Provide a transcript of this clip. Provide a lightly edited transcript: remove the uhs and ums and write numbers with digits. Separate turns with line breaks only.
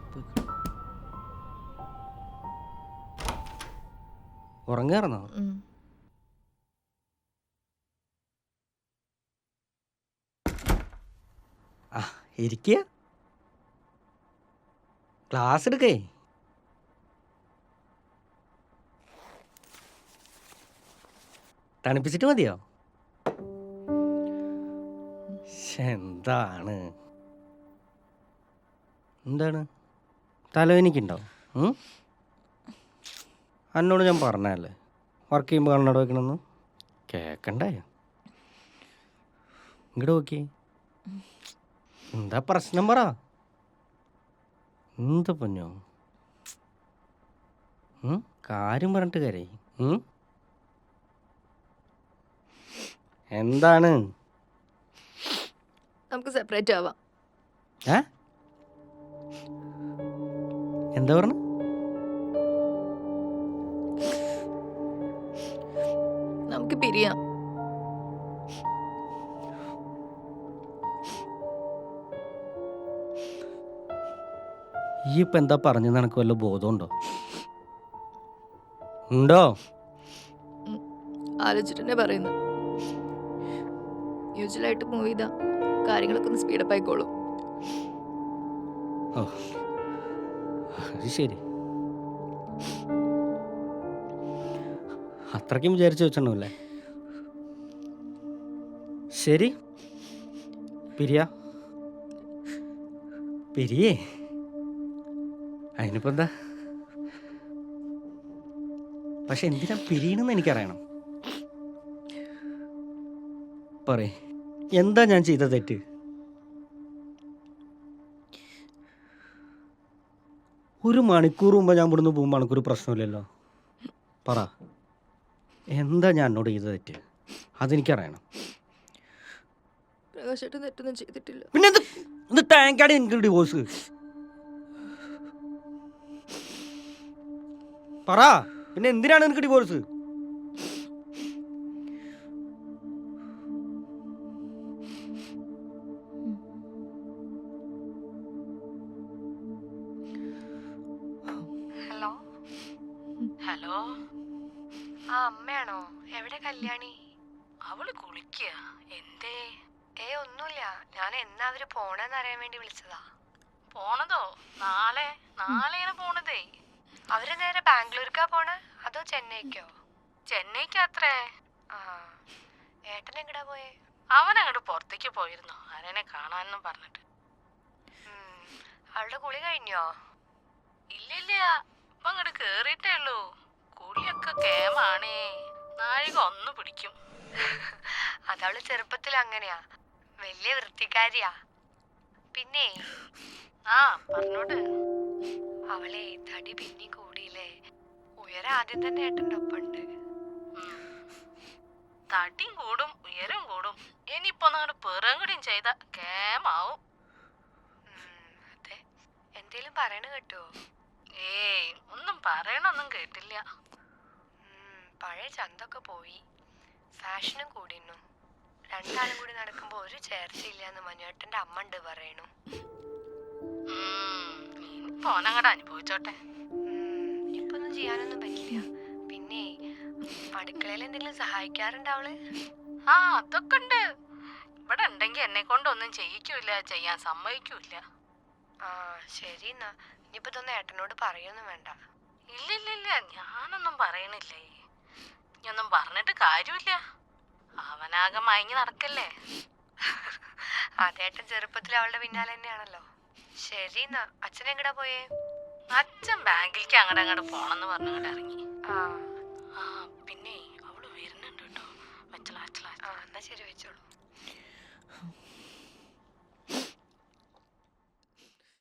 ഉറങ്ങാറുന്നോ? ആ ഇരിക്കുക. ക്ലാസ് എടുക്കേ. തണുപ്പിച്ചിട്ട് മതിയോ? എന്താണ് എന്താണ് തലവേനിക്കുണ്ടോ? എന്നോട് ഞാൻ പറഞ്ഞല്ലേ വർക്ക് ചെയ്യുമ്പോൾ കണ്ണട വെക്കണമെന്ന്. കേക്കണ്ടേ? ഇങ്ങോട്ട് നോക്കി. എന്താ പ്രശ്നം പറ. എന്താ പൊന്നോ? കാര്യം പറഞ്ഞിട്ട് കരേ. എന്താണ്?
നമുക്ക് സെപ്പറേറ്റ് ആവാം.
എന്താ പറഞ്ഞു?
നമുക്ക് പിരിയാം.
ഈ ഇപ്പൊ എന്താ പറഞ്ഞെന്ന് എനക്ക് വല്ല ബോധമുണ്ടോ? ഉണ്ടോ?
ആലോചിച്ചിട്ടെന്നെ പറയുന്നു. യൂഷ്വലായിട്ട് മൂവ് ചെയ്താ കാര്യങ്ങളൊക്കെ ഒന്ന് സ്പീഡപ്പ് ആയിക്കോളും.
ഓ അത് ശരി. അത്രയ്ക്കും വിചാരിച്ചു വെച്ചിട്ടുണ്ടാവില്ലേ? ശരി, പിരിയേ. അതിനിപ്പോ എന്താ? പക്ഷെ എന്തിനാ പിരിയണമെന്ന് എനിക്കറിയണം. പറയേ, എന്താ ഞാൻ ചെയ്ത തെറ്റ്? ഒരു മണിക്കൂർ മുമ്പ് ഞാൻ ഇവിടുന്ന് പോകുമ്പോൾ എനിക്കൊരു പ്രശ്നമില്ലല്ലോ. പറ, എന്താ ഞാൻ എന്നോട് ചെയ്ത തെറ്റ്? അതെനിക്കറിയണം.
പ്രകാശേട്ടൻ തെറ്റൊന്നും ചെയ്തിട്ടില്ല.
പിന്നെ ടാങ്കാണ് എനിക്ക് ഡിവോഴ്സ്. പറ, പിന്നെ എന്തിനാണ് എനിക്ക് ഡിവോഴ്സ്?
ഹലോ ഹലോ, ആ അമ്മയാണോ? എവിടെ കല്യാണി? അവള് കുളിക്കുക. എന്തേ? ഒന്നുമില്ല, ഞാൻ എന്നാ അവര് പോണെന്ന് അറിയാൻ വേണ്ടി വിളിച്ചതാ. പോണതോ? നാളെയാണ് പോണതേ. അവര് നേരെ ബാംഗ്ലൂർക്കാ പോണേ അതോ ചെന്നൈക്കോ? ചെന്നൈക്കാത്രേ. ആ, ഏട്ടൻ എങ്ങടാ പോയേ? അവനങ്ങോട്ട് പുറത്തേക്ക് പോയിരുന്നു, ആരെന്നെ കാണാനെന്നും പറഞ്ഞിട്ട്. അവളുടെ കുളി കഴിഞ്ഞോ? ഇല്ലില്ല, ഇപ്പൊ അങ്ങോട്ട് കേറിയിട്ടേ ഉള്ളൂ. കുളിയൊക്കെ കേമാണേ, നാഴിക ഒന്ന് പിടിക്കും. അതവള് ചെറുപ്പത്തിൽ അങ്ങനെയാ, വലിയ വൃത്തിക്കാരിയാ. പിന്നെ പറഞ്ഞോട്. അവളെ തടി പിന്നെ കൂടിയില്ലേ, ഉയരം ആദ്യം തന്നെ ഏട്ടൻ്റെ ഒപ്പുണ്ട്. തടിയും കൂടും ഉയരം കൂടും, ഇനിയിപ്പോ അങ്ങോട്ട് പിറകുടിയും ചെയ്ത കേമാവും. അതെ, എന്തേലും പറയണ കേട്ടോ? ഒന്നും പറയണൊന്നും കേട്ടില്ല. പഴയ ചന്തൊക്കെ പോയി, ഫാഷനും കൂടിന്നു. രണ്ടാളും കൂടി നടക്കുമ്പോ ഒരു ചേർച്ചയില്ലാന്ന് മനുവേട്ടന്റെ അമ്മ ഉണ്ട് പറയണു. പോനങ്ങടെ അനുഭവിച്ചോട്ടെ. ഇപ്പൊ ഒന്നും ചെയ്യാനൊന്നും പറ്റില്ല. പിന്നെ അടുക്കളയിൽ എന്തെങ്കിലും സഹായിക്കാറുണ്ട് അവള്? അതൊക്കെ ഉണ്ട്. ഇവിടെ ഉണ്ടെങ്കി എന്നെ കൊണ്ടൊന്നും ചെയ്യിക്കൂല, ചെയ്യാൻ സമ്മതിക്കൂല. ശരി എന്നാ, ഇനിയിപ്പോ ഇതൊന്നും ഏട്ടനോട് പറയൊന്നും വേണ്ട. ഇല്ലില്ല, ഞാനൊന്നും പറയണില്ലേ. ഇനിയൊന്നും പറഞ്ഞിട്ട് കാര്യമില്ല, അവനാകെ മയങ്ങി നടക്കല്ലേ. അതേട്ടൻ ചെറുപ്പത്തിൽ അവളുടെ പിന്നാലെ തന്നെയാണല്ലോ. ശരി എന്നാ, അച്ഛൻ എങ്ങടാ പോയേ? അച്ഛൻ ബാങ്കിലേക്ക് അങ്ങോട്ട് പോണെന്ന് പറഞ്ഞങ്ങോട്ട് ഇറങ്ങി. പിന്നെ അവള് വരുന്നുണ്ട് കേട്ടോ. വെച്ചോളാ. എന്നാ ശരി, വെച്ചോളൂ.